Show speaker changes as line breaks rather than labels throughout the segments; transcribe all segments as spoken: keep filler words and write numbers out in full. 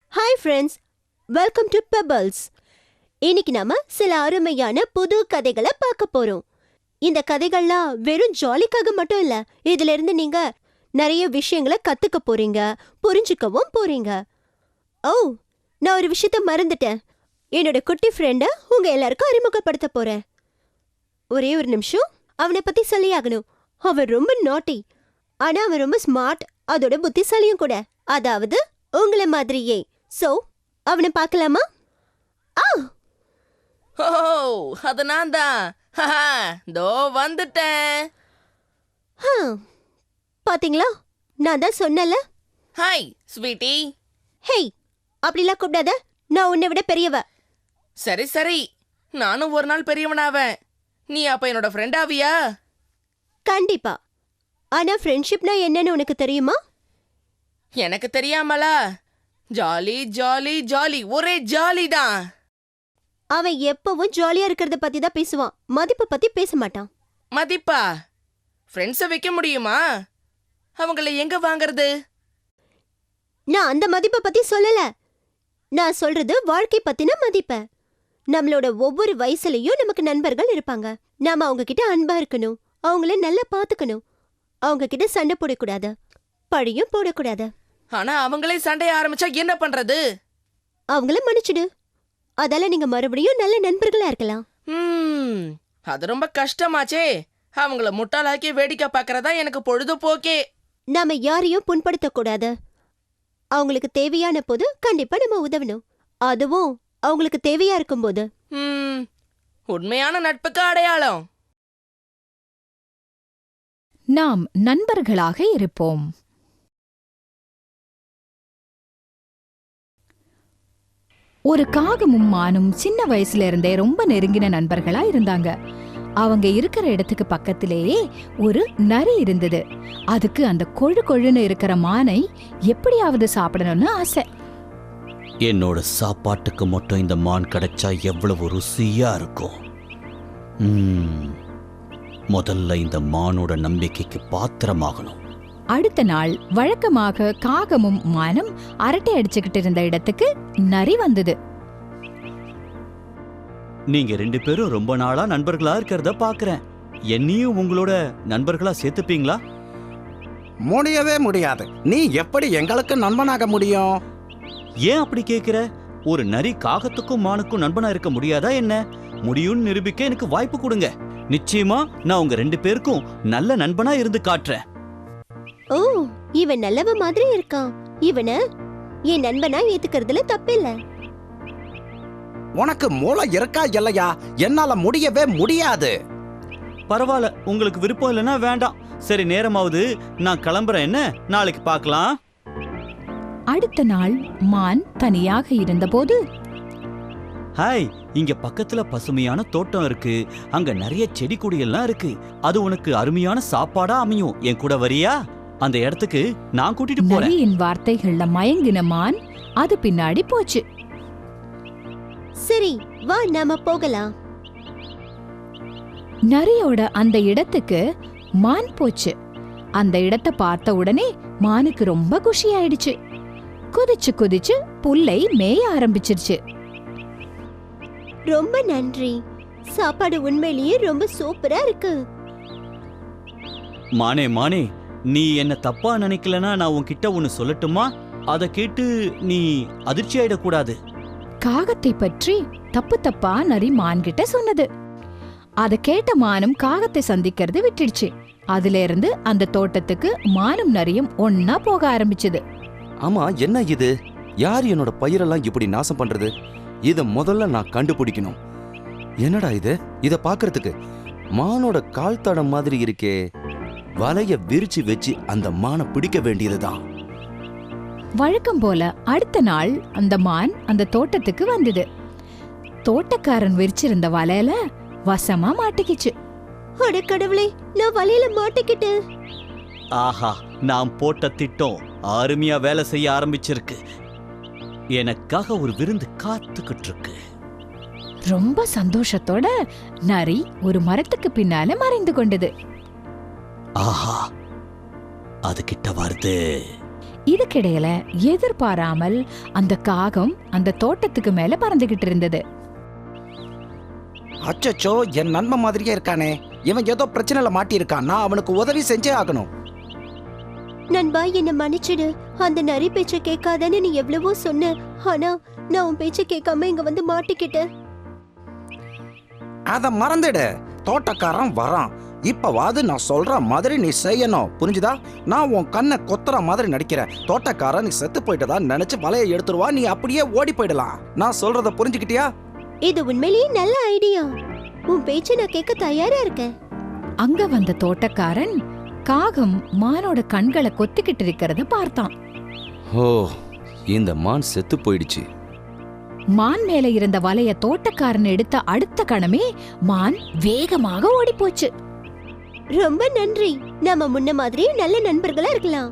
Hi friends, welcome to Pebbles. இன்னைக்கு நாம சில அருமையான புது கதைகளை பார்க்க போறோம். இந்த கதைகள்லாம் வெறும் ஜாலிக்காக மட்டும் இல்ல, இதுல இருந்து நீங்க நிறைய விஷயங்களை கத்துக்க போறீங்க, புரிஞ்சுக்கவும் போறீங்க. ஓ, நான் ஒரு விஷயத்த மறந்துட்டேன். என்னோட குட்டி ஃப்ரெண்ட உங்க எல்லாருக்கும் அறிமுகப்படுத்த போறேன். ஒரே ஒரு நிமிஷம், அவனை பத்தி சொல்லியாகணும். அவன் ரொம்ப நாட்டி, ஆனா அவன் ரொம்ப ஸ்மார்ட், அதோட புத்திசாலியும் கூட. அதாவது உங்களை மாதிரியே. சோ அவனை பார்க்கலாமா? ஆ,
ஓ, அது நான் தான். தோ வந்துட்டேன்.
பாத்தீங்களா, நான் தான் சொன்னல.
Hi sweetie.
ஹேய், அப்படிலாம் கூப்பிடாத, நான் உன்னை விட பெரியவ.
சரி சரி, நானும் ஒரு நாள் பெரியவனாவேன். நீ அப்ப என்னோட ஃப்ரெண்ட் ஆவியா?
கண்டிப்பா. ஆனா ஃப்ரெண்ட்ஷிப்னா என்னன்னு உனக்கு தெரியுமா?
எனக்கு தெரியாமலா? ஜாலி ஜாலி ஜாலி, ஒரே ஜாலி தான்.
அவன் எப்பவும் ஜாலியா இருக்கிறத பத்தி தான் பேசுவான், மதிப்பு பத்தி பேச மாட்டான்.
மதிப்பா? ஃப்ரெண்ட்ஸை வைக்க முடியுமா? அவங்கள எங்க வாங்குறது?
நான் அந்த மதிப்பை பத்தி சொல்லல. நான் சொல்றது வாழ்க்கை பத்தின மதிப்ப. நம்மளோட ஒவ்வொரு வயசுலயும் நமக்கு நண்பர்கள் இருப்பாங்க. நாம அவங்க கிட்ட அன்பா இருக்கணும், அவங்கள நல்லா பாத்துக்கணும், அவங்க கிட்ட சண்டை போடக்கூடாது, பழியும் போடக்கூடாது.
ஆனா அவங்களே சண்டைய ஆரம்பிச்சா என்ன பண்றது?
அவங்கள மன்னிச்சிடு. அதால நீங்க மறுபடியும் நல்ல நண்பர்களா இருக்கலாம்.
ம், அது ரொம்ப கஷ்டமாச்சே. அவங்கள முட்டாளாக்கி வேடிக்கை பார்க்கறதா எனக்கு பொழுதுபோக்கே.
நாம யாரையும் புண்படுத்த கூடாது. அவங்களுக்கு தேவையான போது கண்டிப்பா நம்ம உதவணும், அதுவும் அவங்களுக்கு தேவையா இருக்கும்போது.
ம், உண்மையான நட்புக்கு அடையாளம்.
நாம் நண்பர்களாக இருப்போம். ஒரு காகமும் மானும் சின்ன வயசுல இருந்தே ரொம்ப நெருங்கின நண்பர்களா இருந்தாங்க. அவங்க இருக்கிற இடத்துக்கு பக்கத்திலேயே ஒரு நரி இருந்தது. அதுக்கு அந்த கொழு கொழுன்னு இருக்கிற மானை எப்படியாவது சாப்பிடணும்னு ஆசை.
என்னோட சாப்பாட்டுக்கு மட்டும் இந்த மான் கிடைச்சா எவ்வளவு ருசியா இருக்கும். ம், முதல்ல இந்த மானோட நம்பிக்கைக்கு பாத்திரமாகணும்.
அடுத்த நாள் வழக்கமாக காகமும் மானும் அரட்டை அடிச்சுக்கிட்டு இருந்த இடத்துக்கு நரி வந்தது.
நீங்க ரெண்டு பேரும் ரொம்ப நாளா நண்பர்களா இருக்கிறத பாக்குறேன். என்னையும் உங்களோட நண்பர்களா சேர்த்துப்பீங்களா?
முடியவே முடியாது. நீ எப்படி எங்களுக்கு நண்பனாக முடியும்?
ஏன் அப்படி கேக்குற? ஒரு நரி காகத்துக்கும் மானுக்கும் நண்பனா இருக்க முடியாதா என்ன? முடியும்னு நிரூபிக்க எனக்கு வாய்ப்பு கொடுங்க. நிச்சயமா நான் உங்க ரெண்டு பேருக்கும் நல்ல நண்பனா இருந்து காட்டுறேன்.
ஓ, இவன் நல்லவ மாதிரி இருக்கான். இவனை என் நண்பனா ஏத்துக்கிறதுல தப்பில்ல.
உனக்கு மூளை இருக்கா இல்லையா? என்னால முடியவே முடியாது.
பரவாயில்ல, உங்களுக்கு விருப்பம் இல்லைன்னா வேண்டாம். சரி, நேரமாவது நான் கிளம்புறேன். என்ன, நாளைக்கு பார்க்கலாம்.
அடுத்த நாள் மான் தனியாக இருந்தபோது,
ஹாய், இங்க பக்கத்துல பசுமையான தோட்டம் இருக்கு. அங்க நிறைய செடி கொடியெல்லாம் இருக்கு. அது உனக்கு அருமையான சாப்பாடா அமையும். என் கூட வரியா? அந்த இடத்துக்கு நான் கூட்டிட்டு போறேன்.
நரியின் வார்த்தைகள்ல மயங்கின மான் அது பின்னாடி போச்சு.
சரி, வா நாம போகலாம்.
நரியோட அந்த இடத்துக்கு மான் போச்சு. அந்த இடத்தை பார்த்த உடனே மானுக்கு ரொம்ப குஷி ஆயிடுச்சு. குதிச்சு குதிச்சு புல்லை மேய ஆரம்பிச்சிருச்சு.
ரொம்ப நன்றி, சாப்பாடு உண்மையிலேயே ரொம்ப சூப்பரா இருக்கு.
மானே மானே, நீ என்ன தப்பா நினைக்கலனா நான் உன்கிட்ட ஒன்னு சொல்லட்டுமா? அதை கேட்டு நீ அதிர்ச்சி ஆயிடக்கூடாது.
காகத்தை பற்றி தப்பு தப்பா நரி மான் கிட்ட சொன்னது. அத கேட்ட மானும் காகத்தை சந்திக்கிறது விட்டுடுச்சு. அதுல இருந்து அந்த தோட்டத்துக்கு மானும் நரியும் ஒன்னா போக ஆரம்பிச்சது.
ஆமா, என்ன இது? யார் என்னோட பயிரெல்லாம் இப்படி நாசம் பண்றது? இத முதல்ல நான் கண்டுபிடிக்கணும். என்னடா இது? இத பாக்குறதுக்கு மானோட கால் தடம் மாதிரி இருக்கே. வலைய விரிச்சு வச்சு அந்த மானை பிடிக்க வேண்டியதுதான்.
வழக்கம் போல அடுத்த நாள் அந்த மான் அந்த தோட்டத்துக்கு வந்தது. தோட்டக்காரன் விரிச்சிருந்த வலையில வசமா மாட்டிக்கிச்சு.
அட கடவுளே, நான் வலையில மாட்டிக்கிட்டேன்.
ஆஹா, நான் போட்ட திட்டம் அருமையா வேலை செய்ய ஆரம்பிச்சிருக்கு. எனக்காக ஒரு விருந்து காத்துக்கிட்டு இருக்கு.
ரொம்ப சந்தோஷத்தோட நரி ஒரு மரத்துக்கு பின்னால மறைந்து கொண்டது.
ஆஹா, அது கிட்ட வருது.
இதுக்கிடையில எதிர்பாராமல் அந்த காகம் அந்த தோட்டத்துக்கு மேல பறந்துகிட்டு இருந்தது.
அச்சச்சோ, என் நண்பன் மாதிரியே இருக்கானே. இவன் ஏதோ பிரச்சனையில மாட்டியிருக்கான். நான் அவனுக்கு உதவி செஞ்சே ஆகணும்.
நண்பா, என்ன மன்னிச்சிடு. அந்த நரி பேச்ச கேட்காதன்னு நீ எவ்வளவோ சொன்ன. ஆனா நான் உன் பேச்ச கேட்காம இங்க வந்து மாட்டிக்கிட்டேன்.
அத மறந்துடு. தோட்டக்காரன் வரான். இப்பவாது நான் சொல்ற மாதிரி நீ செய்யணும், புரிஞ்சுதா? நான் உன் கண்ணை கொத்துற மாதிரி நடிக்கிறேன். தோட்டக்காரன் நீ செத்து போயிட்டதா நினைச்சு வலையை எடுத்துருவா. நீ அப்படியே ஓடி போயிடலாம். நான் சொல்றத புரிஞ்சுக்கிட்டியா?
இது உண்மையிலேயே நல்ல ஐடியா. உன் பேச்ச நான் கேட்க தயாரா இருக்கேன்.
அங்க வந்த தோட்டக்காரன் காகம் மானோட கண்களை கொத்திக்கிட்டு இருக்கிறத பார்த்தான்.
ஓ, இந்த மான் செத்து போயிடுச்சு.
மான் மேல இருந்த வலைய தோட்டக்காரன் எடுத்த அடுத்த கணமே மான் வேகமாக ஓடிப்போச்சு.
ரொம்ப நன்றி. நாம முன்ன மாதிரி நல்ல நண்பர்களா இருக்கலாம்.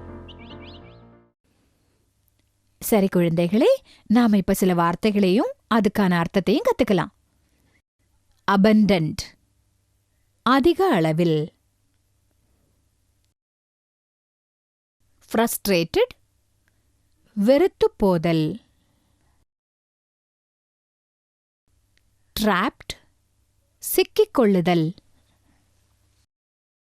சரி குழந்தைகளே, நாம இப்ப சில வார்த்தைகளையும் அதுக்கான அர்த்தத்தையும் கத்துக்கலாம். abundant அதிக அளவில், frustrated வெறுத்து போதல், trapped சிக்கிக்கொள்ளுதல்,